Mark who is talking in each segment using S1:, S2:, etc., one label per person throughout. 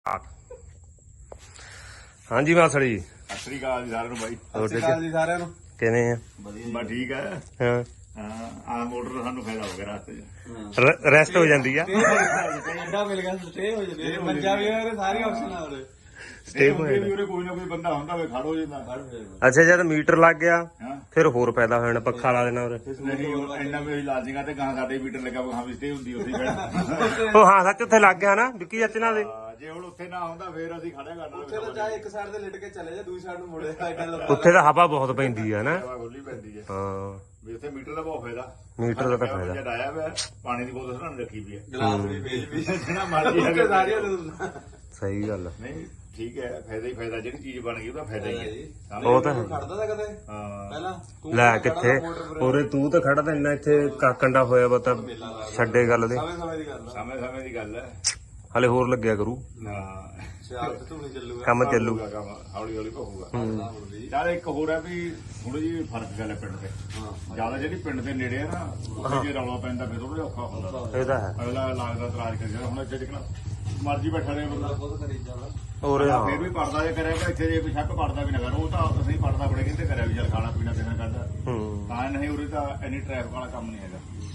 S1: ਹਾਂਜੀ ਮਾਸੜੀ
S2: ਸਤਿ ਸ੍ਰੀ ਅਕਾਲ ਜੀ ਸਾਰਿਆਂ ਨੂੰ ਬਾਈ।
S3: ਸਤਿ ਸ਼੍ਰੀ ਅਕਾਲ ਜੀ ਸਾਰਿਆਂ ਨੂੰ।
S1: ਕਿਵੇਂ ਆ?
S2: ਬਸ ਠੀਕ ਹੈ।
S1: ਹਾਂ
S2: ਆਹ ਮੋਟਰ ਦਾ ਸਾਨੂੰ ਫਾਇਦਾ ਹੋ ਗਿਆ ਰਸਤੇ 'ਚ।
S1: ਰੈਸਟ ਹੋ ਜਾਂਦੀ ਆ।
S3: ਐਡਾ ਮਿਲ ਗਿਆ ਸਟੇ ਹੋ ਜਾਂਦੇ ਮੰਜਾ ਵੀ ਹੋਰੇ ਸਾਰੇ ਆਪਸ਼ਨ ਆ ਉਹਦੇ
S1: ਸਟੇ ਹੋ
S2: ਹੁੰਦੀ ਵੀ
S1: ਜਾਂਦਾ।
S2: ਉਰੇ ਕੋਈ ਨਾ ਕੋਈ ਬੰਦਾ ਹੁੰਦਾ ਵੇ ਖੜ ਹੋ ਜਾਂਦਾ।
S1: ਅੱਛਾ ਜਦ ਮੀਟਰ ਲੱਗ ਗਿਆ
S2: ਹਾਂ
S1: ਫਿਰ ਹੋਰ ਫਾਇਦਾ ਹੋ ਜਾਣਾ, ਪੱਖਾ ਲਾ ਦੇਣਾ ਉਰੇ।
S2: ਨਹੀਂ ਹੁਣ ਇੰਨਾ ਵੀ ਅਸੀਂ ਲਾਜੀਆਂ ਤੇ ਗਾਂ ਸਾਡੇ ਮੀਟਰ ਲੱਗਾ ਵਾ, ਹਾਂ ਵੀ ਸਟੇ ਹੁੰਦੀ ਉੱਥੇ ਬੈਠ।
S1: ਉਹ ਹਾਂ ਸੱਚ ਉੱਥੇ ਲੱਗ ਗਿਆ ਨਾ ਵਿੱਕੀ ਚਾਚੇ ਨਾਲ ਦੇ।
S2: ਜੇ ਹੁਣ ਉੱਥੇ ਨਾ ਹੁੰਦਾ ਫੇਰ ਅਸੀਂ ਖੜਿਆ
S3: ਉੱਥੇ ਤਾਂ
S2: ਕਰਨਾ।
S3: ਚਾਹੇ ਇੱਕ ਸਾਈਡ ਤੇ ਲਿਟ ਕੇ ਚਲੇ ਜਾ, ਦੂਜੀ ਸਾਈਡ ਨੂੰ ਮੁੜੇ ਐਡਾ ਲੰਬਾ।
S1: ਉੱਥੇ ਤਾਂ ਹਵਾ ਬਹੁਤ ਪੈਂਦੀ ਆ ਨਾ।
S2: ਹਵਾ ਖੁੱਲੀ ਪੈਂਦੀ ਹੈ
S1: ਹਾਂ
S2: ਵੀ ਉੱਥੇ ਮੀਟਰ ਦਾ ਬਹੁਤ ਫਾਇਦਾ।
S1: ਮੀਟਰ ਦਾ ਤਾਂ ਫਾਇਦਾ।
S2: ਜਦ ਆਇਆ ਵਾ ਪਾਣੀ ਦੀ ਬੋਤਲ ਸਾਨੂੰ ਰੱਖੀ ਵੀ ਹੈ,
S3: ਗਲਾਸ ਵੀ ਵੇਚ ਵੀ
S2: ਜਿਹੜਾ ਮਰਜ਼ੀ
S3: ਉੱਥੇ ਸਾਰੀਆਂ ਨੂੰ
S1: ਸਹੀ ਗੱਲ ਆ।
S2: ਨਹੀਂ ਠੀਕ ਹੈ, ਫਾਇਦਾ ਹੀ ਫਾਇਦਾ। ਜਿਹੜੀ ਚੀਜ਼ ਬਣ ਗਈ ਉਹਦਾ ਫਾਇਦਾ ਹੀ ਹੈ।
S1: ਉਹ ਤਾਂ ਹੈ।
S3: ਖੜਦਾ ਤਾਂ ਕਦੇ
S2: ਹਾਂ
S3: ਪਹਿਲਾਂ ਤੂੰ
S1: ਲੈ ਕਿੱਥੇ ਉਰੇ ਤੂੰ ਤਾਂ ਖੜਾ ਤਾਂ ਇੰਨਾ ਇੱਥੇ ਕਾਕੰਡਾ ਹੋਇਆ ਵਾ ਤਾਂ ਛੱਡੇ ਗੱਲ ਦੇ।
S3: ਸਮੇਂ ਸਮੇਂ ਦੀ ਗੱਲ ਆ।
S2: ਸਮੇਂ ਦੀ ਗੱਲ ਹੈ।
S1: ਹਲੇ ਹੋਰ ਲੱਗਿਆ ਕਰੂ,
S2: ਹਾਂ
S3: ਸਿਆਲ ਤੇ ਧੂਣੀ ਚੱਲੂਗਾ
S1: ਕੰਮ ਚੱਲੂ।
S2: ਕੰਮ ਹੌਲੀ ਹੌਲੀ ਪਹੂਗਾ।
S3: ਹੁਣ ਵੀ
S2: ਚੱਲ ਇੱਕ ਹੋਰ ਹੈ ਵੀ ਥੋੜੀ ਜਿਹੀ ਫਰਕ ਗੱਲ ਹੈ ਪਿੰਡ ਤੇ।
S3: ਹਾਂ
S2: ਜਿਆਦਾ ਜਿਹੜੀ ਪਿੰਡ ਦੇ ਨੇੜੇ ਆ ਨਾ ਉੱਥੇ ਜੇ ਰੌਲਾ ਪੈਂਦਾ ਫਿਰ ਥੋੜਾ ਔਖਾ ਹੁੰਦਾ।
S1: ਇਹ ਤਾਂ ਹੈ।
S2: ਅਗਲਾ ਲੱਗਦਾ ਇਤਰਾਜ਼ ਕਰ ਜਾਂਦਾ। ਹੁਣ ਇੱਥੇ ਜਿਕਣਾ ਮਰਜ਼ੀ ਬੈਠਾ ਰਹੇ ਬੰਦਾ
S3: ਬਹੁਤ ਕਰੀ ਜਾਣਾ।
S1: ਉਰੇ ਹਾਂ
S2: ਫਿਰ ਵੀ ਪੜਦਾ ਜੇ ਕਰਿਆ ਇੱਥੇ ਜੇ ਸ਼ੱਕ ਪੜਦਾ ਵੀ ਨਾ ਕਰ। ਉਹ ਤਾਂ ਅਸੀਂ ਪੜਦਾ ਬੜੇ ਕਿਤੇ ਕਰਿਆ ਵੀ ਚੱਲ ਖਾਣਾ ਪੀਣਾ ਦੇਣਾ ਕਰਦਾ
S1: ਹੂੰ
S2: ਤਾਂ ਨਹੀਂ। ਉਰੇ ਤਾਂ ਇੰਨੀ ਟ੍ਰੈਫਿਕ ਵਾਲਾ ਕੰਮ ਨਹੀਂ ਹੈਗਾ।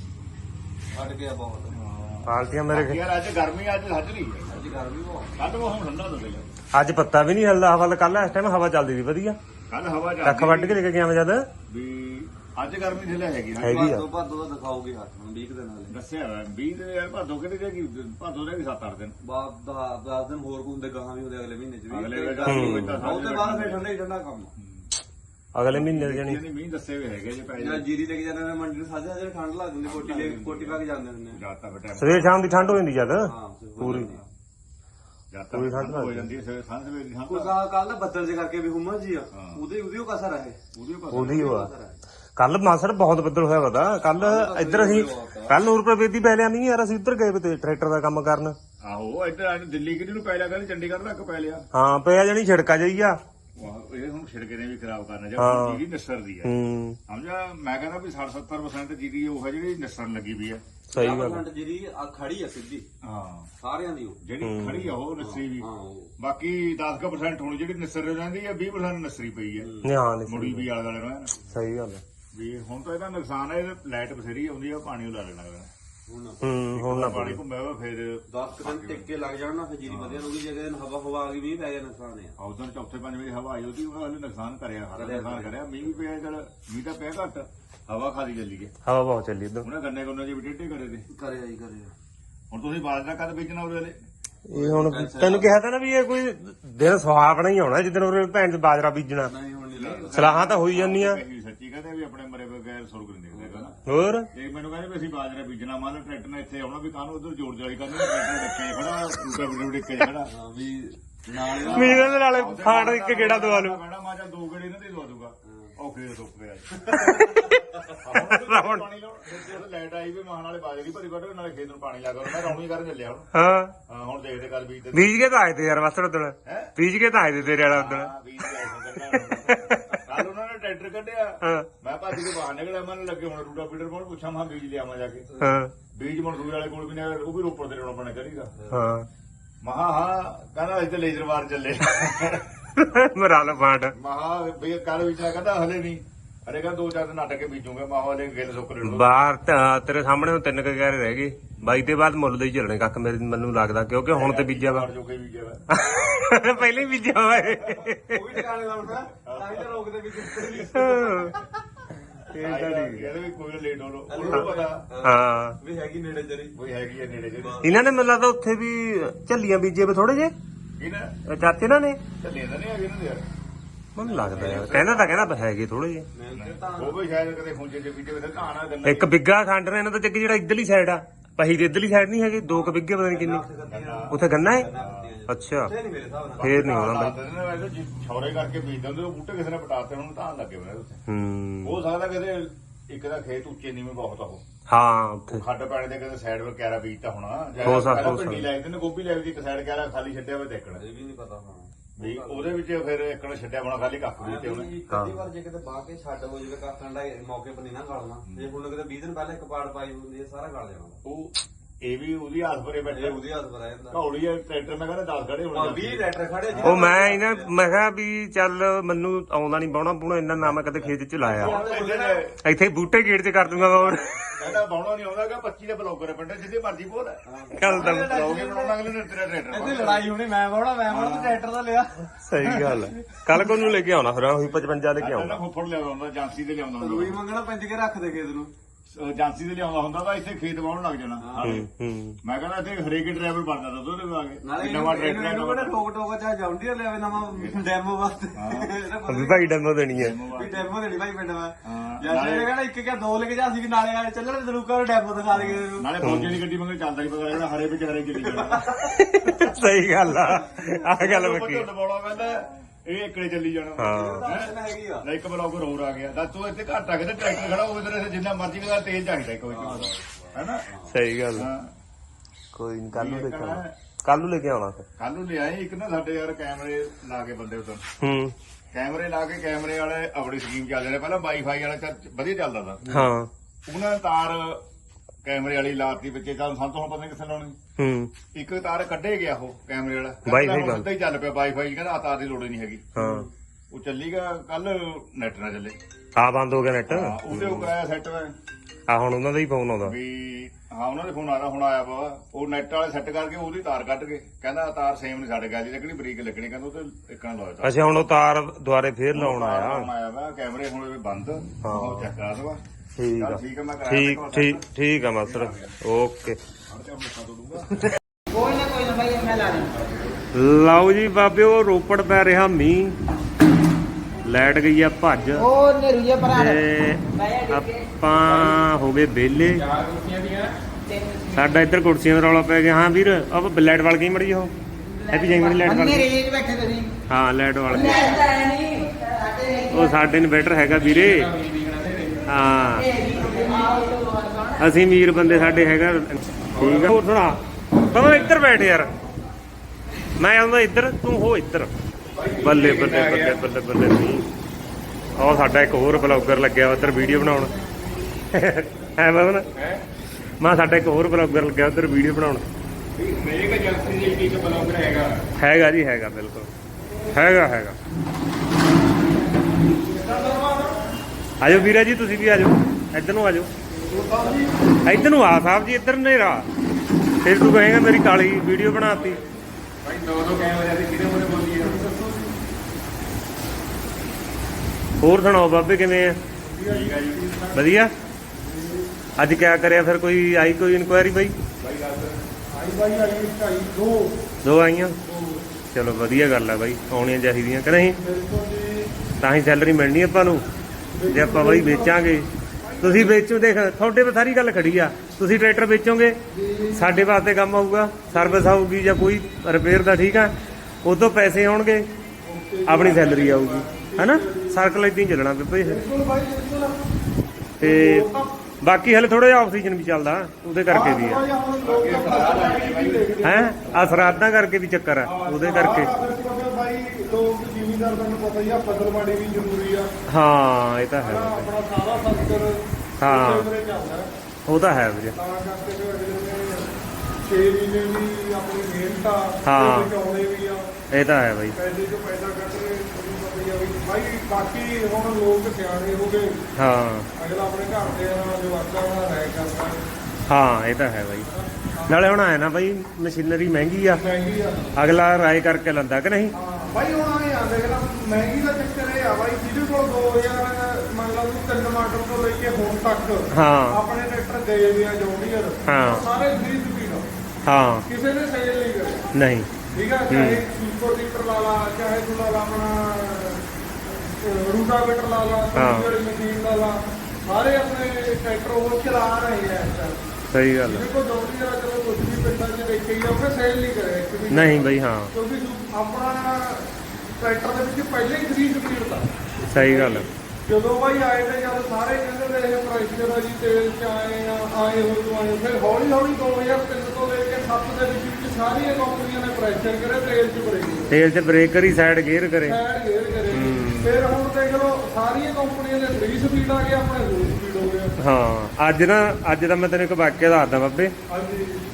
S3: ਹਟ ਗਿਆ ਬਹੁਤ।
S1: ਪਾਲਤੀਆਂ ਮੇਰੇ
S2: ਯਾਰ ਅੱਜ ਗਰਮੀ ਅੱਜ ਸੱਜ ਰਹੀ ਹੈ।
S3: ਅੱਜ ਗਰਮੀ ਬਹੁਤ।
S2: ਕੱਲ ਮੌਸਮ ਠੰਡਾ ਹੋ ਗਿਆ।
S1: ਅੱਜ ਪੱਤਾ ਵੀ ਨਹੀਂ ਹਿਲਦਾ ਹਵਾ। ਕੱਲ ਇਸ ਟਾਈਮ ਹਵਾ ਚੱਲਦੀ ਸੀ ਵਧੀਆ।
S2: ਕੱਲ ਹਵਾ
S1: ਕੱਖ ਵੱਢ ਕੇ ਲੈ ਕੇ ਗਿਆ ਮੈਂ ਜਦ।
S2: ਵੀ ਅੱਜ ਗਰਮੀ ਥੱਲੇ ਹੈਗੀ ਨਾ।
S1: ਹੈਗੀ ਆ।
S3: ਭਾਦੋ ਦਾ ਦਿਖਾਓਗੇ ਹੱਥ ਨੂੰ 20 ਦਿਨ ਵਾਲੇ।
S2: ਦੱਸਿਆ ਵਾ 20 ਦੇ ਯਾਰ ਭਾਦੋ ਕਿਹੜੇ ਦੇ ਕੀ ਭਾਦੋ ਦੇ 7-8 ਦਿਨ
S3: ਬਾਅਦ 10 ਦਿਨ ਹੋਰ ਹੁੰਦੇ ਗਾਹਾਂ ਵੀ ਹੁੰਦੇ ਅਗਲੇ ਮਹੀਨੇ ਚ ਵੀ।
S2: ਅਗਲੇ
S3: ਉਹਦੇ ਬਾਅਦ ਫਿਰ ਠੰਡਾ ਹੀ ਠੰਡਾ ਕੰਮ।
S1: ਅਗਲੇ ਮਹੀਨੇ ਦੇ ਜਾਣੀ
S2: ਮੀਂਹ ਦੱਸੇ ਹੋਏ ਹੈਗੇ ਜੇ ਪੈ
S3: ਜਾਂ ਜੀਰੀ ਲੈ ਕੇ ਜਾਂਦੇ ਨੇ ਮੰਡੀ ਨੂੰ ਸਾਜਾ ਜਿਹੜੇ ਠੰਡ ਲੱਗ ਜਾਂਦੀ ਕੋਟੀ ਪਾ ਕੇ ਜਾਂਦੇ ਹੁੰਦੇ ਨੇ।
S2: ਜਾਤਾ ਬਟਾ
S1: ਸਵੇਰ ਸ਼ਾਮ ਦੀ ਠੰਡ ਹੋ ਜਾਂਦੀ ਜਦ
S3: ਹਾਂ
S1: ਪੂਰੀ।
S2: ਜਾਤਾ ਵੀ ਠੰਡ ਹੋ ਜਾਂਦੀ ਹੈ ਸਵੇਰ ਸਵੇਰ ਦੀ ਠੰਡ।
S3: ਕੋਈ ਕੱਲ ਬੱਦਲ ਜੇ ਕਰਕੇ ਵੀ ਹੁਮਸ ਜੀ ਆ ਉਹਦੀ ਉਹ ਕਸਰ ਹੈ।
S1: ਉਹਦੀ ਹੋਆ ਕੱਲ ਮਾਸੜ ਬਹੁਤ ਬੱਦਲ ਹੋਇਆ ਪਤਾ। ਕੱਲ ਇੱਧਰ ਅਸੀਂ ਕੱਲ ਨੂਰਪੁਰ ਵੇਦੀ ਪੈ ਲਿਆ ਨਹੀਂ ਯਾਰ। ਅਸੀਂ ਉੱਧਰ ਗਏ ਤੇ ਟਰੈਕਟਰ ਦਾ ਕੰਮ ਕਰਨ।
S2: ਆਹੋ ਇੱਧਰ ਦਿੱਲੀ ਕਿਹਨੂੰ ਪੈ ਲਿਆ ਕਹਿੰਦੇ ਚੰਡੀਗੜ੍ਹ ਤੱਕ ਪੈ ਲਿਆ।
S1: ਹਾਂ ਪਿਆ ਜਾਣੀ ਛਿੜਕਾ ਜਾਈ ਆ।
S2: ਇਹ ਹੁਣ ਛਿੜਕੇ ਨੇ ਵੀ ਖਰਾਬ ਕਰਨਾ ਜਾਂ ਜੀਰੀ ਨਿਸਰ ਦੀ ਹੈ।
S1: ਹੂੰ
S2: ਸਮਝਾ ਮੈਂ ਕਹਿੰਦਾ ਵੀ 60-70% ਜੀਰੀ ਉਹ ਹੈ ਜਿਹੜੀ ਨਿਸਰਨ ਲੱਗੀ ਵੀ ਹੈ।
S1: ਸਹੀ ਗੱਲ।
S3: ਜਿਹੜੀ ਖੜੀ ਆ ਸਿੱਧੀ
S2: ਹਾਂ
S3: ਸਾਰਿਆਂ ਦੀ ਉਹ
S2: ਜਿਹੜੀ ਖੜੀ ਆ ਉਹ ਨਸਰੀ ਵੀ।
S3: ਹਾਂ
S2: ਬਾਕੀ 10% ਹੁਣ ਜਿਹੜੀ ਨਿਸਰ ਹੋ ਜਾਂਦੀ ਹੈ 20% ਨਸਰੀ ਪਈ ਹੈ।
S1: ਨਹੀਂ ਹਾਂ ਨਹੀਂ
S2: ਮੁੜੀ ਵੀ ਆਲੇ ਦੁਆਲੇ ਰਹਿਣ
S1: ਸਹੀ ਗੱਲ।
S2: ਵੀ ਹੁਣ ਤਾਂ ਇਹਦਾ ਨੁਕਸਾਨ ਹੈ। ਲਾਈਟ ਬਥੇਰੀ ਆਉਂਦੀ ਆ ਪਾਣੀ ਉਹ ਲਾ ਲੈਣਾ ਹੈਗਾ।
S1: ਹੁਣ ਨਾ
S2: ਪਾਣੀ ਘੁੰਮਿਆ ਵਾ ਫਿਰ
S3: 10 ਦਿਨ ਟਿੱਕੇ ਲੱਗ ਜਾਣ ਨਾ ਫਿਰ ਜੀਰੀ ਵਧੀਆ ਰਹੂਗੀ। ਜੇ ਦਿਨ ਹਵਾ ਆ ਗਈ ਵੀ ਪੈ ਗਿਆ ਨੁਕਸਾਨ ਆ।
S2: ਉਦੋਂ ਚੌਥੇ 5 ਵਜੇ ਹਵਾ ਆਈ ਉਹਦੀ ਉਹਨੇ ਨੁਕਸਾਨ ਕਰਿਆ ਸਾਰਾ ਨੁਕਸਾਨ ਕਰਿਆ। ਮੀਂਹ ਵੀ ਪਿਆ ਚੱਲ ਮੀਂਹ ਤਾਂ ਪਿਆ ਘੱਟ ਹਵਾ ਖਾਦੀ ਚੱਲੀ ਗਈ।
S1: ਹਵਾ ਬਹੁਤ ਚੱਲੀ ਇੱਧਰ।
S2: ਉਹਨੇ ਗੰਨੇ ਗੁੰਨੇ ਜਿਹੇ ਟੇਢੇ ਕਰੇ ਤੇ
S3: ਕਰਿਆ ਜੀ ਕਰਿਆ।
S2: ਹੁਣ ਤੁਸੀਂ ਬਾਜਰਾ ਕਦ ਵੇਚਣਾ ਉਹਦੇ ਵਾਲੇ?
S1: ਇਹ ਹੁਣ ਤੈਨੂੰ ਕਿਹਾ ਤਾਂ ਨਾ ਵੀ ਇਹ ਕੋਈ ਦਿਨ ਸੁਹਾਵਣਾ ਹੀ ਆਉਣਾ ਜਿੱਦਣ ਉਹ ਭੈਣ ਚ ਬਾਜਰਾ ਬੀਜਣਾ।
S3: ਨਹੀਂ ਹੁਣ ਨਹੀਂ ਲੱਗਦਾ।
S1: ਸਲਾਹਾਂ ਤਾਂ ਹੋਈ ਜਾਂਦੀਆਂ
S2: ਸੱਚੀ ਕਹਿੰਦੇ ਵੀ ਆਪਣੇ ਮਰੇ ਬਗੈਰ ਸੁਰਗ ਨਹੀਂ ਦੇਖਦੇ ਨਾ।
S1: ਹੋਰ।
S2: ਇਹ ਮੈਨੂੰ ਕਹਿੰਦੇ ਵੀ ਅਸੀਂ ਬਾਜਰਾ ਬੀਜਣਾ ਮੰਨ ਟਰੈਕਟਰ ਨੇ ਇੱਥੇ ਆਉਣਾ ਵੀ ਕਾਹਨੂੰ ਉਧਰ ਜੋੜ ਜਾਲੀ ਕਰਨੀ। ਟਰੈਕਟਰ ਰੱਖੇ ਖੜਾ ਉਲਟਾ ਵੀਡੀਓ ਡਿੱਕੇ ਖੜਾ
S3: ਹਾਂ ਵੀ ਨਾਲ ਹੀ
S1: ਮੀਂਹ ਦੇ ਨਾਲੇ ਫਾੜ ਇੱਕ ਗੇੜਾ ਦਵਾ ਲੂ।
S2: ਮੈਡਮ ਮਾਜਾ 2 ਗੇੜੇ ਇਹਨਾਂ ਤੇ ਦਵਾ ਦੂਗਾ। ਔਖੇ ਸੁੱਕ ਗਿਆ
S1: ਰਾਵਣ।
S2: ਪਾਣੀ ਲਾਉਣ ਲਾਈਟ ਆਈ ਵੀ ਮਾਂ ਨਾਲੇ ਬਾਜਰੀ ਭਰੀ ਕੱਢੋ ਨਾਲੇ ਖੇਤ ਨੂੰ ਪਾਣੀ ਲਾ ਕੇ ਮੈਂ ਰੌਣੀ ਕਰਨ ਚੱਲਿਆ ਹੁਣ।
S1: ਹਾਂ
S2: ਹਾਂ ਹੁਣ ਦੇਖਦੇ ਕੱਲ ਬੀਜ ਤੇ
S1: ਬੀਜ ਕੇ ਤਾਂ ਆਏ ਤੇ ਯਾਰ ਵਸੜ ਉਦਣ ਬੀਜ ਕੇ ਤਾਂ ਆਏ ਤੇ ਤੇਰੇ ਵਾਲਾ ਉਦਣ।
S2: ਹਾਂ ਬੀਜ ਕੇ ਆਏ ਸੰਗਰ ਕੱਲ ਉਹਨਾਂ ਨੇ ਟਰੈਕਟਰ ਕੱਢਿਆ।
S1: ਹਾਂ
S2: ਮੈਂ ਭੱਜ ਕੇ ਬਾਹਰ ਨਿਕਲਿਆ। ਮੈਨੂੰ ਲੱਗੇ ਹੁਣ ਰੂਟਾ ਪੀਟਰ ਕੋਲ ਪੁੱਛਾਂ ਮੈਂ ਬੀਜ ਲਿਆਵਾਂ ਜਾ ਕੇ।
S1: ਹਾਂ
S2: ਬੀਜ ਮਨਸੂਰ ਵਾਲੇ ਕੋਲ ਵੀ ਨੇ ਉਹ ਵੀ ਰੋਪੜ ਤੇ ਲਾਉਣਾ ਪੈਣਾ ਕਰੀਦਾ।
S1: ਹਾਂ
S2: ਮਹਾ ਹਾਂ ਕਹਿੰਦਾ ਇੱਥੇ ਲੇਜ਼ਰ ਵਾਰ ਚੱਲੇ।
S1: ਮਰਾ ਲਾ ਫਾਂਟ।
S2: ਮਹਾ ਵੀ ਕੱਲ ਵਿੱਚ ਕਹਿੰਦਾ ਹਲੇ ਨਹੀਂ ਅਰੇ ਕਹਿੰਦਾ 2-4 ਦਿਨ ਨਾਟਕ ਕੇ ਬੀਜੂਗੇ ਮਾਹ ਵਾਲੇ ਗਿੱਲ ਸੁੱਕ ਲੈ ਲਓ।
S1: ਬਾਹਰ ਤੇਰੇ ਸਾਹਮਣੇ ਹੁਣ 3 ਕਹਿਰੇ ਰਹਿ ਗਏ। 22 ਦੇ ਬਾਅਦ ਮੁੱਲ ਦੇ ਹੀ ਚੱਲਣੇ ਕੱਖ ਮੈਨੂੰ ਲੱਗਦਾ ਕਿਉਂਕਿ ਹੁਣ ਤੇ ਬੀਜਿਆ ਵਾ।
S2: ਜੋ ਕੇ ਬੀਜਿਆ ਵਾ
S1: ਪਹਿਲਾਂ ਹੀ ਬੀਜਿਆ ਵਾ ਇਹ।
S3: ਉਹ ਵੀ ਟਿਕਾਣੇ ਲਾਉਣਾ ਤਾਂ ਹੀ ਤਾਂ ਰੋਕਦੇ ਵੀ
S1: ਇਹ ਤਾਂ ਠੀਕ ਹੈ।
S2: ਇਹਦੇ ਵੀ ਕੋਈ ਲੇਟ ਹੋ ਲੋ ਉਹਨੂੰ ਪਤਾ
S1: ਹਾਂ
S3: ਵੀ ਹੈਗੀ ਨੇੜੇ ਜਰੀ।
S2: ਕੋਈ ਹੈਗੀ ਹੈ ਨੇੜੇ ਜਿਹੜੀ
S1: ਇਹਨਾਂ ਨੇ ਮੈਨੂੰ ਲੱਗਦਾ ਉੱਥੇ ਵੀ ਝੱਲੀਆਂ ਬੀਜੇ ਵੇ ਥੋੜੇ ਜੇ
S2: ਇਹਨਾਂ
S1: ਚਾਚੇ ਇਹਨਾਂ ਨੇ।
S2: ਚੱਲੇ ਤਾਂ ਨਹੀਂ ਹੈਗੇ ਇਹਨਾਂ ਦੇ ਯਾਰ।
S1: ਮੈਨੂੰ ਲੱਗਦਾ ਯਾਰ ਕਹਿੰਦਾ ਹੈਗੇ ਥੋੜੇ ਜੇ।
S2: ਉਹ ਵੀ ਸ਼ਾਇਦ ਕਦੇ ਖੁੰਝੇ ਚ ਬੀਜੇ ਵੇ ਧਾਣਾ ਗੰਨਾ।
S1: ਇੱਕ ਬਿੱਗਾ ਖੰਡ ਨੇ ਇਹਨਾਂ ਤੋਂ ਚੱਕੀ ਜਿਹੜਾ ਇੱਧਰਲੀ ਸਾਈਡ ਆ ਪਹੀ ਦੀ ਇੱਧਰਲੀ ਸਾਈਡ ਨਹੀਂ ਹੈਗੀ 2 ਬਿੱਗੇ ਪਤਾ ਨਹੀਂ ਕਿੰਨੀ ਉੱਥੇ ਗੰਨਾ ਹੈ। ਅੱਛਾ
S3: ਨਹੀਂ ਮੇਰੇ ਹਿਸਾਬ ਨਾਲ
S1: ਫੇਰ ਨਹੀਂ ਹੋਣਾ ਬਾਈ।
S2: ਵੈਸੇ ਛੌਰੇ ਕਰਕੇ ਬੀਜ ਦਿੰਦੇ ਉਹ ਬੂਟੇ ਕਿਸੇ ਨੇ ਪਟਾਤੇ ਹੁਣ ਧਾਨ ਲੱਗੇ ਹੋਏ ਉੱਥੇ।
S1: ਹੂੰ
S2: ਹੋ ਸਕਦਾ ਕਿਤੇ ਇੱਕ ਦਾ ਖੇਤ ਉੱਚੇ ਨੀਵੇਂ ਬਹੁਤ ਆ ਉਹ
S1: ਹਾਂ ਉੱਥੇ
S2: ਖੱਡ ਪੈਣੇ ਦੇ ਕਿਤੇ ਸਾਈਡ 'ਤੇ ਕਿਆਰਾ ਬੀਜਤਾ ਹੋਣਾ।
S1: ਹੋ ਸਕਦਾ,
S2: ਪਹਿਲਾਂ
S1: ਹੋ
S2: ਭਿੰਡੀ
S1: ਸਕਦਾ।
S2: ਲਾਈ ਤੇ ਗੋਭੀ ਲਾਈ ਦੀ ਇੱਕ ਸਾਈਡ ਕਿਆਰਾ ਖਾਲੀ ਛੱਡਿਆ ਹੋਇਆ ਦੇਖਣਾ
S3: ਇਹ ਵੀ ਨਹੀਂ ਪਤਾ ਹਾਂ
S2: ਵੀ ਉਹਦੇ ਵਿੱਚ ਫਿਰ ਇੱਕਣ ਛੱਡਿਆ ਹੋਣਾ ਖਾਲੀ ਕੱਖ ਵੀ ਤੇ ਉਹਨੇ।
S3: ਕਈ ਵਾਰ ਜੇ ਕਿਤੇ ਬਾਹ ਕੇ ਛੱਡ ਹੋ ਜਾਵੇ ਕੱਖ ਕੰਡਾ ਮੌਕੇ ਪਰ ਨਹੀਂ ਨਾ ਗਲਣਾ। ਜੇ ਹੁਣ ਕਿਤੇ 20 ਦਿਨ ਪਹਿਲਾਂ ਇੱਕ ਪਾੜ ਪਾਈ ਹੁੰਦੀ ਹੈ ਸਾਰਾ ਗਲ ਜਾਣਾ।
S2: ਉਹ ਇਹ ਵੀ ਉਹਦੀ ਹੱਥ ਭਰੇ ਬੈਠੇ
S3: ਉਹਦੀ ਹੱਥ ਪਰ ਆ ਜਾਂਦਾ
S2: ਘੌੜੀ ਆ ਟਰੈਕਟਰ ਮੈਂ ਕਹਿੰਦਾ 10 ਖੜੇ ਹੋਣੇ
S3: 20 ਟਰੈਕਟਰ ਖੜੇ
S1: ਉਹ ਮੈਂ ਕਿਹਾ ਵੀ ਚੱਲ ਮੈਨੂੰ ਆਉਂਦਾ ਨਹੀਂ ਬਾਉਣਾ ਪੂਣਾ ਇੰਨਾ ਨਾ ਮੈਂ ਕਦੇ ਖੇਤ ਚ ਲਾਇਆ ਇੱਥੇ ਬੂਟੇ ਗੇਟ ਚ ਕਰ ਦੂੰਗਾ ਮੈਂ
S2: ਕਹਿੰਦਾ ਬਾਉਣਾ ਨਹੀਂ ਆਉਂਦਾਗਾ 25 ਦੇ ਬਲੌਗਰ ਪਿੰਡ ਜਿੱਦੇ ਮਰਜੀ ਬੋਲ
S1: ਕੱਲ ਦਾ
S2: ਬਲੌਗੇ ਬਣਾਉਣਾ ਅਗਲੇ ਨੇ ਤੇਰਾ ਟਰੈਕਟਰ
S3: ਲੜਾਈ ਹੋਣੀ ਮੈਂ ਬਾਉਣਾ ਟਰੈਕਟਰ ਦਾ ਲਿਆ
S1: ਸਹੀ ਗੱਲ ਕੱਲ ਕੋ ਨੂੰ ਲੈ ਕੇ ਆਉਣਾ ਫਿਰ ਉਹੀ 55 ਲੈ ਕੇ ਆਉਣਾ
S2: ਪਹਿਲਾਂ ਫੁੱਫੜ ਲਿਆਉਂਦਾ ਹੁੰਦਾ ਏਜੰਸੀ ਤੇ ਲਿਆਉਂਦਾ
S3: ਰੂਈ
S2: ਹੁੰਦਾ
S3: ਮੰਗਣਾ ਪੰਜ ਕੇ ਰੱਖ ਦੇ ਖੇਤ ਨੂੰ
S2: ਏਜੰਸੀ ਤੇ ਲਿਆਉਂਦਾ ਹੁੰਦਾ ਤਾਂ ਇੱਥੇ ਖੇਤ ਵਾਉਣ ਲੱਗ ਜਾਣਾ ਮੈਂ ਕਹਿੰਦਾ ਇੱਥੇ ਹਰੇਕ ਡਰਾਈਵਰ ਬਣਦਾ ਤਾਂ ਉਹਦੇ ਆ ਕੇ
S3: ਨਾਲੇ
S2: ਨਵਾਂ
S3: ਇਹਨੂੰ
S2: ਟਰੈਕਟਰ
S3: ਕਿਹੜਾ ਠੋਕ ਠੋਕ ਚਾ ਜਾਉਂਦੀ ਲਿਆਵੇ ਨਵਾਂ ਡੈਮੋ ਵਾਸਤੇ
S1: ਵੀ ਭਾਈ ਡੈਮੋ ਦੇਣੀ ਹੈ
S3: ਵੀ ਡੈਮੋ ਦੇਣੀ ਭਾਈ ਪਿੰਡ ਵਾ
S2: ਹਾਂ,
S3: ਜੈਸੇ ਕਹਿੰਦਾ ਇੱਕ ਕਿਆ ਦੋ ਲੈ ਕੇ ਜਾ ਸੀ ਵੀ ਨਾਲੇ ਆਏ ਚੱਲਣ ਦਰੂਕਾ ਡੈਮੋ ਦਿਖਾ ਦੇ ਇਹਨੂੰ
S2: ਨਾਲੇ ਫੌਜੀ ਦੀ ਗੱਡੀ ਮੰਗੇ ਚੱਲਦਾ ਹੀ ਪਤਾ ਲੱਗਦਾ ਹਰੇ ਵਿੱਚ ਹਰੇ ਚੱਲੀ ਜਾਣਾ
S1: ਸਹੀ ਗੱਲ ਆ ਆਹ ਗੱਲ
S2: ਉਹ
S1: ਬੱਕੀ
S2: ਝੁੱਟ ਬੋਲਾ ਕਹਿੰਦਾ ਇਹ ਇੱਕੜੇ ਚੱਲੀ ਜਾਣਾ
S1: ਹਾਂ
S3: ਹੈਗੀ ਆ
S2: ਲੈ ਇੱਕ ਬਲੌਗਰ ਹੋਰ ਆ ਗਿਆ ਦੱਸ ਤੂੰ ਇੱਥੇ ਘੱਟ ਆ ਕੇ ਤੇ ਟਰੈਕਟਰ ਖੜਾ ਹੋਵੇ ਤੇਰੇ ਜਿੰਨਾ ਮਰਜ਼ੀ ਦਾ ਤੇਲ ਚਾਹੀਦਾ ਇੱਕ ਵਿੱਚ ਹੈਨਾ
S1: ਸਹੀ ਗੱਲ
S2: ਹਾਂ
S1: ਕੋਈ ਨਹੀਂ ਕੱਲ ਨੂੰ ਲੈ ਕੇ ਆਉਣਾ ਕੱਲ ਨੂੰ ਲੈ ਕੇ ਆਉਣਾ ਫਿਰ
S2: ਕੱਲ ਨੂੰ ਲਿਆਏ ਇੱਕ ਨਾ ਸਾਡੇ ਯਾਰ ਕੈਮਰੇ ਲਾ ਕੇ ਬੰਦੇ ਉਦੋਂ
S1: ਹੂੰ
S2: ਕੈਮਰੇ ਲਾ ਕੇ ਕੈਮਰੇ ਵਾਲੇ ਆਪਣੀ ਸਕੀਮ ਚੱਲਦੇ ਨੇ ਪਹਿਲਾਂ ਵਾਈਫਾਈ ਵਾਲਾ ਵਧੀਆ ਚੱਲਦਾ ਸੀ
S1: ਹਾਂ
S2: ਉਹਨਾਂ ਨੇ ਤਾਰ ਕੈਮਰੇ ਵਾਲੀ ਲਾਤੀ ਵਿੱਚ ਸਾਨੂੰ ਹੁਣ ਪਤਾ ਨਹੀਂ ਕਿੱਥੇ ਲਾਉਣੀ
S1: ਹੂੰ
S2: ਇੱਕ ਤਾਰ ਕੱਢੇ ਗਿਆ ਉਹ ਕੈਮਰੇ ਵਾਲਾ
S1: Wi-Fi
S2: ਹੁਣ ਸਿੱਧਾ ਹੀ ਚੱਲ ਪਿਆ ਵਾਈਫਾਈ ਕਹਿੰਦਾ ਆ ਤਾਰ ਦੀ ਲੋੜ ਹੀ ਨਹੀਂ ਹੈਗੀ
S1: ਹਾਂ
S2: ਉਹ ਚੱਲੀਗਾ ਕੱਲ ਨੈਟ ਨਾ ਚੱਲੇ
S1: ਆ ਬੰਦ ਹੋ ਗਿਆ ਨੈਟ
S2: ਹਾਂ, ਉਹਦੇ ਉਹ ਕਰਾਇਆ ਸੈੱਟ ਮੈਂ
S1: ਆ ਹੁਣ ਉਹਨਾਂ ਦਾ ਹੀ ਫੋਨ ਆਉਂਦਾ
S2: ਵੀ ਹਾਂ ਉਹਨਾਂ ਦੇ ਫੋਨ ਆ ਰਿਹਾ ਹੁਣ ਆਇਆ ਵਾ ਉਹ ਨੈਟ ਵਾਲੇ ਸੈੱਟ ਕਰਕੇ ਉਹਦੀ ਤਾਰ ਕੱਢ ਕੇ ਕਹਿੰਦਾ ਤਾਰ ਸੇਮ ਨਹੀਂ ਸਾਡੇ ਗੱਲ ਲੱਗਣੀ ਬਰੀਕ ਲੱਗਣੀ ਕਹਿੰਦਾ ਉਹ ਤੇ ਇੱਕਣਾ ਲਾਇਆ
S1: ਅੱਛਾ ਹੁਣ ਉਹ ਤਾਰ ਦੁਆਰੇ ਫੇਰ ਲਾਉਣ ਆਇਆ
S2: ਆਇਆ ਵਾ ਕੈਮਰੇ ਹੁਣ ਵੀ ਬੰਦ ਉਹ ਚੈੱਕ ਕਰਾ ਦਵਾ
S1: ਠੀਕ ਆ
S2: ਠੀਕ ਹੈ ਮੈਂ ਕਰਾਇਆ
S1: ਠੀਕ ਠੀਕ ਠੀਕ ਆ ਮਾਸਟਰ ਓਕੇ
S4: ਕੋਈ ਨਾ ਭਾਈ ਮੈਂ ਲਾ ਦੇ
S1: ਲਓ ਜੀ ਬਾਬਿਓ ਰੋਪੜ ਪੈ ਰਿਹਾ ਮੀਂਹ ਲਾਈਟ ਗਈ ਆ ਭੱਜ
S4: ਉਹ ਨੇਰੀਏ ਭਰਾ
S1: ਤੇ ਆਪਾਂ ਹੋ ਗਏ ਵਿਹਲੇ ਸਾਡਾ ਇੱਧਰ ਕੁਰਸੀਆਂ ਦਾ ਰੌਲਾ ਪੈ ਗਿਆ ਹਾਂ ਵੀਰ ਆਪ ਲਾਈਟ ਵਲ ਗਈ ਮੜੀ ਉਹ ਹੈਪੀ ਜਾਈ ਮੜੀ ਲਾਈਟ ਵਲ ਗਈ
S4: ਨੇਰੀਏ ਬੈਠੇ ਤੁਸੀਂ
S1: ਹਾਂ ਲਾਈਟ ਵਲ ਗਈ
S4: ਲੈਂਦਾ ਨਹੀਂ
S1: ਉਹ ਸਾਡੇ ਇਨਵਰਟਰ ਹੈਗਾ ਵੀਰੇ ਹਾਂ ਅਸੀਂ ਅਮੀਰ ਬੰਦੇ ਸਾਡੇ ਹੈਗਾ ਠੀਕ ਆ ਹੋਰ ਸੁਣਾ ਤੂੰ ਇੱਧਰ ਬੈਠ ਯਾਰ ਮੈਂ ਆਉਂਦਾ ਇੱਧਰ ਤੂੰ ਹੋ ਇੱਧਰ ਬੱਲੇ ਬੱਲੇ ਬੱਲੇ ਬੱਲੇ ਬੱਲੇ ਨਹੀਂ ਉਹ ਸਾਡਾ ਇੱਕ ਹੋਰ ਬਲੌਗਰ ਲੱਗਿਆ ਉੱਧਰ ਵੀਡੀਓ ਬਣਾਉਣ ਹੈ ਬਾਬਨ ਮੈਂ ਸਾਡਾ ਇੱਕ ਹੋਰ ਬਲੌਗਰ ਲੱਗਿਆ ਉੱਧਰ ਵੀਡੀਓ ਬਣਾਉਣ
S2: ਮੇਰੇ ਕਾ ਜਲਸੀ ਜੀ ਇੱਕ ਬਲੌਗਰ
S1: ਹੈਗਾ ਜੀ ਹੈਗਾ ਬਿਲਕੁਲ ਹੈਗਾ ਆਜੋ ਵੀਰਾ ਜੀ ਤੁਸੀਂ ਵੀ ਆਜੋ ਇੱਧਰ ਨੂੰ ਆਜੋ ਇੱਧਰ ਨੂੰ ਆ ਸਾਹਿਬ ਜੀ ਇੱਧਰ ਨੇਰਾ ਫਿਰ ਤੂੰ ਕਹੇਗਾ ਮੇਰੀ ਕਾਲੀ ਵੀਡੀਓ ਬਣਾਤੀ
S2: ਭਾਈ ਦੋ ਕੈਮਰੇ ਦੇ ਕਿਹਦੇ ਮੋਰੇ ਬੋਲੀ
S1: ਹੋਰ ਸੁਣਾਓ ਬਾਬੇ ਕਿਵੇਂ ਆ ਵਧੀਆ ਅੱਜ ਕਿਆ ਕਰਿਆ ਫਿਰ ਕੋਈ ਆਈ ਕੋਈ ਇਨਕੁਆਇਰੀ ਬਾਈ ਦੋ ਆਈਆਂ ਚਲੋ ਵਧੀਆ ਗੱਲ ਆ ਬਾਈ ਆਉਣੀਆਂ ਚਾਹੀਦੀਆਂ ਕਿ ਨਹੀਂ ਤਾਂ ਹੀ ਸੈਲਰੀ ਮਿਲਣੀ ਆਪਾਂ ਨੂੰ ਜੇ ਆਪਾਂ ਬਾਈ ਵੇਚਾਂਗੇ ਤੁਸੀਂ ਵੇਚੋ ਦੇਖ ਤੁਹਾਡੇ ਤੇ ਸਾਰੀ ਗੱਲ ਖੜੀ ਆ ਤੁਸੀਂ ਟਰੈਕਟਰ ਵੇਚੋਗੇ ਸਾਡੇ ਵਾਸਤੇ ਕੰਮ ਆਊਗਾ ਸਰਵਿਸ ਆਊਗੀ ਜਾਂ ਕੋਈ ਰਿਪੇਅਰ ਦਾ ਠੀਕ ਆ ਉਹ ਤੋਂ ਪੈਸੇ ਆਉਣਗੇ ਆਪਣੀ ਸੈਲਰੀ ਆਊਗੀ ਹੈਨਾ ਸਰਕਲ ਇਦਾਂ ਹੀ ਚੱਲਣਾ ਬੇਬੇ ਤੇ ਬਾਕੀ ਹਲੇ ਥੋੜਾ ਜਿਹਾ ਆਕਸੀਜਨ ਵੀ ਚੱਲਦਾ ਉਹਦੇ ਕਰਕੇ ਵੀ ਆ ਹੈ ਆ ਸਰਾਦਾਂ ਕਰਕੇ ਵੀ ਚੱਕਰ ਆ ਉਹਦੇ ਕਰਕੇ
S5: ਲੋਕ ਜ਼ਿਮੀਦਾਰ ਤੁਹਾਨੂੰ ਪਤਾ ਹੀ ਆ ਫਸਲ ਬਾੜੀ ਵੀ ਜ਼ਰੂਰੀ ਆ
S1: ਹਾਂ ਇਹ ਤਾਂ ਹੈ
S5: ਆਪਣਾ ਸਾਰਾ ਸੰਕਰ
S1: ਹਾਂ
S5: ਚੱਲਦਾ
S1: ਉਹ ਤਾਂ ਹੈ ਵੀਰੇ
S5: ਤਾਂ ਕਰਕੇ ਫਿਰ ਅਗਲੇ ਨੇ 6 ਮਹੀਨੇ ਵੀ ਆਪਣੀ ਮਿਹਨਤ ਆ
S1: ਹਾਂ।
S5: ਚਾਉਣੇ ਵੀ ਆ
S1: ਇਹ ਤਾਂ ਹੈ ਬਾਈ
S5: ਪੈਸੇ ਜੋ ਪੈਦਾ ਕਰਦੇ ਤੁਹਾਨੂੰ ਪਤਾ ਹੀ ਆ ਵੀ ਭਾਈ ਬਾਕੀ ਹੁਣ ਲੋਕ ਸਿਆਣੇ ਹੋ ਗਏ
S1: ਹਾਂ
S5: ਅਗਲਾ ਆਪਣੇ ਘਰ ਦੇ ਨਾਲ ਜਵਾਕਾਂ ਨਾਲ ਰਾਇ ਕਰਦਾ
S1: ਹਾਂ ਇਹ ਤਾਂ ਹੈ ਬਾਈ ਨਾਲੇ ਹੁਣ ਆਇਆ ਨਾ ਬਾਈ ਮਸ਼ੀਨਰੀ ਮਹਿੰਗੀ ਆ
S5: ਮਹਿੰਗੀ ਆ
S1: ਅਗਲਾ ਰਾਏ ਕਰਕੇ ਲੈਂਦਾ ਕਿ ਨਹੀਂ
S5: ਹਾਂ ਭਾਈ ਹੁਣ ਆਏ ਆ ਦੇਖ ਲਾ ਮਹਿੰਗੀ ਦਾ ਚੱਕਰ ਇਹ ਆ ਭਾਈ ਜਿਹਦੇ ਕੋਲ 2000 ਮੰਨ ਲਾ ਤੂੰ 3 ਮਾਡਲ ਤੋਂ ਲੈ ਕੇ ਹੁਣ ਤੱਕ
S1: ਹਾਂ
S5: ਆਪਣੇ ਟਰੈਕਟਰ ਗਏ ਵੀ ਆ ਜੌਂਡੀਅਰ
S1: ਹਾਂ।
S5: ਸਾਰੇ 3 ਸਪੀਡ
S1: ਹਾਂ
S5: ਕਿਸੇ ਨੇ ਸੇਲ ਨਹੀਂ ਕਰਿਆ
S1: ਨਹੀਂ
S5: ਠੀਕ ਆ ਚਾਹੇ ਸੁਪਰ ਲੀਟਰ ਲਾ ਲਾ ਚਾਹੇ ਤੂੰ ਲਾ ਲਾ ਆਪਣਾ ਰੂਟਾਵੇਟਰ ਲਾ ਲਾ ਕੰਪਿਊਟਰ ਮਸ਼ੀਨ ਲਾ ਲਾ ਸਾਰੇ ਆਪਣੇ ਟਰੈਕਟਰ ਉਹ ਚਲਾ ਰਹੇ ਆ ਇਸ time।
S1: ਸਹੀ ਗੱਲ
S5: ਜਿਹਦੇ ਕੋਲ ਜੌਂਡੀਅਰ ਆ ਚਲੋ ਕੁਝ ਵੀ ਪਿੰਡਾਂ 'ਚ ਦੇਖੇ ਹੀ ਆ ਉਹਨੇ ਸੇਲ ਨਹੀਂ ਕਰਿਆ ਇੱਕ ਵੀ
S1: ਨਹੀਂ ਬਈ ਹਾਂ
S5: ਕਿਉਂਕਿ ਆਪਣਾ ਟਰੈਕਟਰ ਦੇ ਵਿੱਚ ਪਹਿਲੇ ਹੀ 3 ਸਪੀਡ ਦਾ
S1: ਸਹੀ ਗੱਲ
S5: ਜਦੋਂ ਬਾਈ ਆਏ ਤੇ ਜਦ ਸਾਰੇ ਕਹਿੰਦੇ ਨੇ ਇਹ ਪ੍ਰੈਸ਼ਰ ਆ ਜੀ ਤੇਲ ਚ ਆਏ ਹੋ ਤੋਂ ਆਏ ਫਿਰ ਹੌਲੀ ਹੌਲੀ 2003 ਤੋਂ ਲੈ ਕੇ 7 ਦੇ ਵਿੱਚ ਸਾਰੀਆਂ ਕੰਪਨੀਆਂ ਨੇ ਪ੍ਰੈਸ਼ਰ ਕਰੇ ਤੇਲ ਚ ਬ੍ਰੇਕ
S1: ਤੇਲ ਤੇ ਬ੍ਰੇਕ ਕਰੀ ਸਾਈਡ ਗੇਅਰ ਕਰੇ
S5: ਸਾਈਡ ਗੇਅਰ ਕਰੇ ਫਿਰ ਹੁਣ ਦੇਖ ਲਓ ਸਾਰੀਆਂ ਕੰਪਨੀਆਂ ਦੇ 3 ਸਪੀਡ ਆ ਗਏ ਆਪਣੇ 2 ਸਪੀਡ ਹੋ ਗਿਆ
S1: ਹਾਂ ਅੱਜ ਦਾ ਮੈਂ ਤੈਨੂੰ ਇੱਕ ਵਾਕਿਆ ਦੱਸਦਾ ਬਾਬੇ
S5: ਹਾਂਜੀ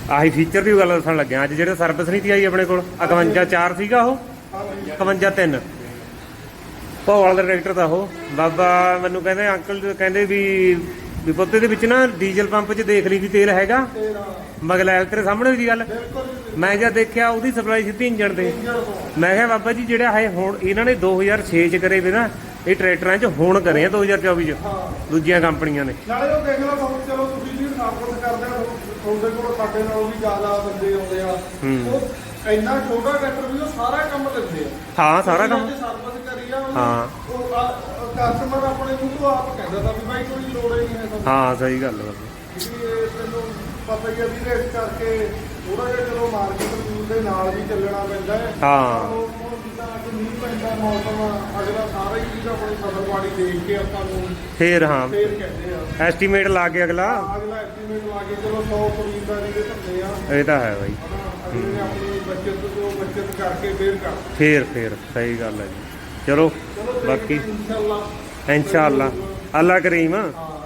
S1: ਆਹੀ ਫੀਚਰ ਦੀ ਗੱਲ ਦੱਸਣ ਲੱਗਿਆ। ਅੱਜ ਜਿਹੜੇ ਸਰਵਿਸ ਨਹੀਂ ਤੀ ਆਈ ਆਪਣੇ ਕੋਲ 51/4 ਸੀਗਾ ਉਹ 51/3 ਭੋਵਾਲ ਦਾ ਟਰੈਕਟਰ ਦਾ ਉਹ ਬਾਬਾ ਮੈਨੂੰ ਕਹਿੰਦੇ ਅੰਕਲ ਕਹਿੰਦੇ ਵੀ ਪੁੱਤੇ ਦੇ ਵਿੱਚ ਨਾ ਡੀਜ਼ਲ ਪੰਪ 'ਚ ਦੇਖ ਲਈ ਵੀ ਤੇਲ ਹੈਗਾ ਮਗਲੈਲ ਤੇਰੇ ਸਾਹਮਣੇ ਦੀ ਗੱਲ। ਮੈਂ ਜਦ ਦੇਖਿਆ ਉਹਦੀ ਸਪਲਾਈ ਸਿੱਧੀ ਇੰਜਣ ਤੇ। ਮੈਂ ਕਿਹਾ ਬਾਬਾ ਜੀ ਜਿਹੜਾ ਹੈ ਹੁਣ ਇਹਨਾਂ ਨੇ 2006 ਚ ਕਰੇ ਵੇ ਨਾ ਇਹ ਟਰੈਕਟਰਾਂ 'ਚ ਹੁਣ ਕਰੇ ਆ 2024 ਚ ਦੂਜੀਆਂ ਕੰਪਨੀਆਂ ਨੇ।
S5: ਨਾਲੇ ਉਹ ਦੇਖ ਲਓ ਹੁਣ ਚਲੋ ਤੁਸੀਂ ਵੀ ਸਰਵਿਸ ਕਰਦੇ ਹੋ ਤੁਹਾਡੇ ਕੋਲ ਸਾਡੇ ਨਾਲੋਂ ਵੀ ਜ਼ਿਆਦਾ ਬੰਦੇ ਆਉਂਦੇ ਆ ਉਹ ਇੰਨਾ ਛੋਟਾ ਟਰੈਕਟਰ ਵੀ ਉਹ ਸਾਰਾ ਕੰਮ ਦਿੰਦੇ ਆ।
S1: ਹਾਂ ਸਾਰਾ ਕੰਮ
S5: ਸਰਵਿਸ ਕਰੀ ਆ
S1: ਹਾਂ।
S5: ਉਹ ਕਸਟਮਰ ਆਪਣੇ ਮੂੰਹ ਤੋਂ ਆਪ ਕਹਿੰਦਾ ਤਾਂ ਵੀ ਭਾਈ ਕੋਈ ਲੋੜ ਹੀ ਨਹੀਂ ਹੈ ਤੁਹਾਨੂੰ।
S1: ਹਾਂ ਸਹੀ ਗੱਲ ਹੈ
S5: ਇਹ ਤੈਨੂੰ ਪਤਾ ਹੀ ਆ ਵੀ ਇਸ ਕਰਕੇ ਥੋੜਾ ਜਿਹਾ ਚਲੋ ਮਾਰਕੀਟ ਰੂਲ ਦੇ ਨਾਲ ਵੀ ਚੱਲਣਾ ਪੈਂਦਾ ਹੈ।
S1: ਹਾਂ।
S5: ਹੁਣ ਜਿੱਦਾਂ ਅੱਜ ਮੀਂਹ ਪੈਂਦਾ ਮੌਸਮ ਅਗਲਾ ਸਾਰਾ ਹੀ ਚੀਜ਼ ਆਪਣੀ ਫਸਲ ਬਾੜੀ ਦੇਖ ਕੇ ਆਪਾਂ ਨੂੰ
S1: ਫੇਰ ਹਾਂ
S5: ਫੇਰ ਕਹਿੰਦੇ ਆ
S1: ਐਸਟੀਮੇਟ ਲਾ ਕੇ ਅਗਲਾ
S5: ਅਗਲਾ ਐਸਟੀਮੇਟ ਲਾ ਕੇ ਚਲੋ 100 ਖਰੀਦਦਾਰੀ ਦੇ ਧੰਦੇ ਆ
S1: ਇਹ ਤਾਂ ਹੈ ਬਾਈ।
S5: ਅਗਲੇ ਨੇ ਆਪਣੀ ਬੱਚਤ ਤੋਂ ਬੱਚਤ ਕਰਕੇ ਫੇਰ ਕਰ
S1: ਫੇਰ ਸਹੀ ਗੱਲ ਹੈ ਜੀ। ਚਲੋ ਬਾਕੀ
S5: ਇਨਸ਼ਾਅੱਲਾ
S1: ਇਨਸ਼ਾਅੱਲਾ ਅੱਲਾ ਕਰੀਮ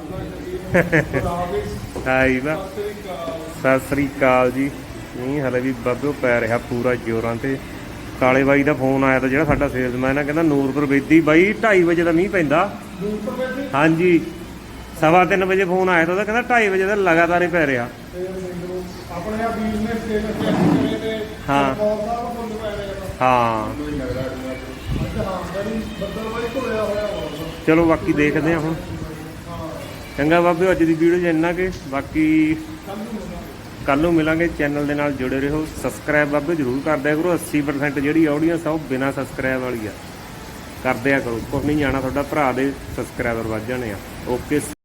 S1: ਹਾਈ ਵਾ ਸਤਿ ਸ੍ਰੀ ਅਕਾਲ ਜੀ। ਨਹੀਂ ਹਲੇ ਵੀ ਬਾਬਿਓ ਪੈ ਰਿਹਾ ਪੂਰਾ ਜ਼ੋਰਾਂ ਤੇ। ਕਾਲੇ ਬਾਈ ਦਾ ਫੋਨ ਆਇਆ ਤਾਂ ਜਿਹੜਾ ਸਾਡਾ ਸੇਲਸਮੈਨ ਆ ਕਹਿੰਦਾ ਨੂਰਪੁਰ ਬੇਦੀ ਬਾਈ 2:30 ਵਜੇ ਦਾ ਮੀਂਹ ਪੈਂਦਾ। ਹਾਂਜੀ 3:15 ਵਜੇ ਫੋਨ ਆਇਆ ਤਾਂ ਉਹਦਾ ਕਹਿੰਦਾ 2:30 ਵਜੇ ਦਾ ਲਗਾਤਾਰ ਹੀ ਪੈ ਰਿਹਾ।
S5: ਆਪਣੇ ਆ ਬਿਜ਼ਨਸ ਸਟੇਟਸ ਚੈੱਕ ਕਰੇ ਤੇ
S1: ਹਾਂ।
S5: ਬਹੁਤ ਸਾਰਾ ਫੁੱਲ ਪੈ ਰਿਹਾ
S1: ਹਾਂ
S5: ਅੱਜ ਹਾਂ ਬੜੀ ਬੱਦਲ ਬਾਈ ਘੁਲਿਆ ਹੋਇਆ ਹੋਣਾ।
S1: ਚਲੋ ਬਾਕੀ ਦੇਖਦੇ ਹਾਂ ਹੁਣ। ਚੰਗਾ ਬਾਬਿਓ ਅੱਜ ਦੀ ਵੀਡੀਓ 'ਚ ਇੰਨਾ ਕਿ ਬਾਕੀ ਕੱਲ ਨੂੰ ਮਿਲਾਂਗੇ। ਚੈਨਲ ਦੇ ਨਾਲ ਜੁੜੇ ਰਹੋ। ਸਬਸਕ੍ਰਾਈਬ ਬਾਬੇ ਜ਼ਰੂਰ ਕਰ ਦਿਆ ਕਰੋ। 80% ਜਿਹੜੀ ਆਡੀਅנס ਆ ਉਹ ਬਿਨਾਂ ਸਬਸਕ੍ਰਾਈਬ ਵਾਲੀ ਆ। ਕਰ ਦਿਆ ਕਰੋ ਕੁਝ ਨਹੀਂ ਜਾਣਾ ਤੁਹਾਡਾ ਭਰਾ ਦੇ ਸਬਸਕ੍ਰਾਈਬਰ ਵੱਧ ਜਾਣੇ ਆ। ਓਕੇ।